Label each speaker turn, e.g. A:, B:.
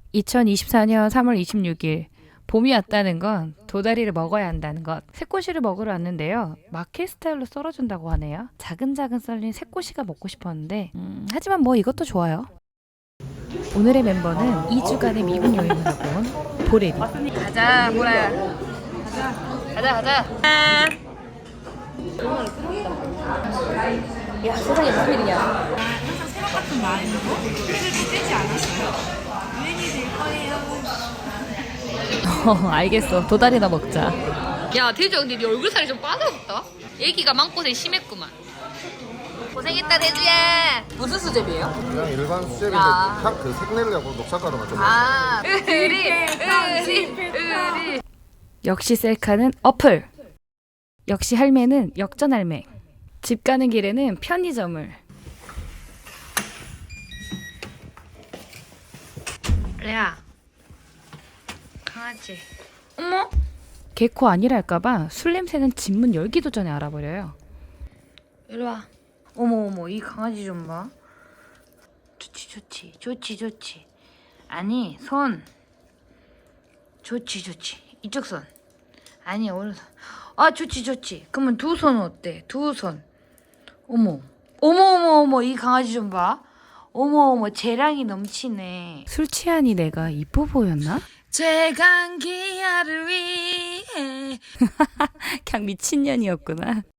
A: 2024년 3월 26일 봄이 왔다는 건 도다리를 먹어야 한다는 것. 새꼬시를 먹으러 왔는데요. 마켓 스타일로 썰어준다고 하네요. 자근자근 썰린 새꼬시가 먹고 싶었는데 하지만 뭐 이것도 좋아요. 오늘의 멤버는 2주간의 미국 여행을 하고 온 보레리. 가자 보라야. 가자. 야 세상에 무슨 일이야.
B: 항상 새벽 같은 마음으로 그래도 떼지 않았어요. 유행이 될 거예요.
A: 알겠어. 도다리나 먹자.
C: 야 대주야 근데 네 얼굴 살이 좀 빠졌다. 애기가 마음고생 심했구만. 고생했다 대주야. 무슨 수제비예요?
D: 그냥 일반 수제비인데
C: 야.
D: 그 색내려고 녹차가루만 좀
C: 아 의리.
A: 역시 셀카는 어플. 역시 할매는 역전할매. 집 가는 길에는 편의점을.
C: 레아 강아지. 어머
A: 개코 아니랄까봐 술 냄새는 집문 열기도 전에 알아버려요.
C: 이리 와. 어머 이 강아지 좀 봐. 좋지. 아니 손. 좋지. 이쪽 손. 아니 오른손. 아 좋지. 그러면 두 손은 어때? 두 손. 어머 이 강아지 좀 봐. 어머 재량이 넘치네.
A: 술 취하니 내가 이뻐 보였나?
C: 최강기야를 위해.
A: 그냥 미친년이었구나.